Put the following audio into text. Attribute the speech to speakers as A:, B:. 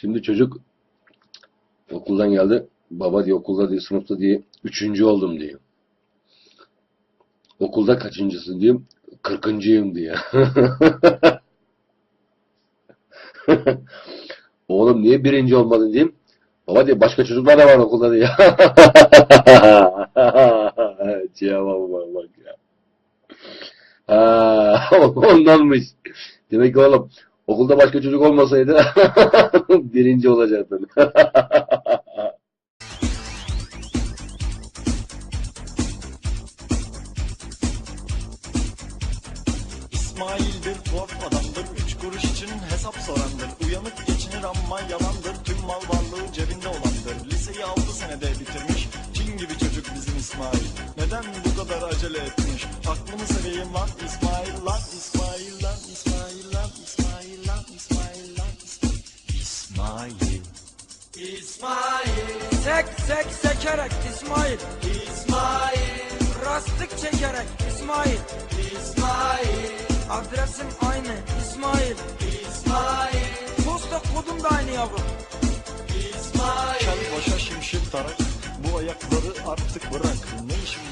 A: Şimdi çocuk okuldan geldi. Baba diyor okulda diye sınıfta diye üçüncü oldum diyor. Okulda kaçıncısın diyeyim. 40'ıncıyım diyor. Oğlum niye birinci olmadın diyeyim. Baba diyor başka çocuklar da var okulda diyor. Cevabıma bak ya. Ha, ondanmış. Demek ki oğlum okulda başka çocuk olmasaydı birinci olacaktın.
B: İsmail'dir tuhaf adamdır, 3 kuruş için hesap sorandır. Uyanık geçinir ama yalandır, tüm mal varlığı cebinde olandır. Liseyi 6 senede bitirmiş, Çin gibi çocuk bizim İsmail. Neden bu kadar acele etmiş? Aklımı seveyim lan İsmail lan, İsmail lan, İsmail lan, İsmail lan, İsmail lan, İsmail.
C: İsmail. Sek sek sekerek İsmail. İsmail. Rastlık çekerek İsmail. İsmail. Adresim aynı İsmail. İsmail. Posta kodum da aynı yavrum. İsmail.
B: Kel başa şimşir tarak, bu ayakları artık bırak. Ne işin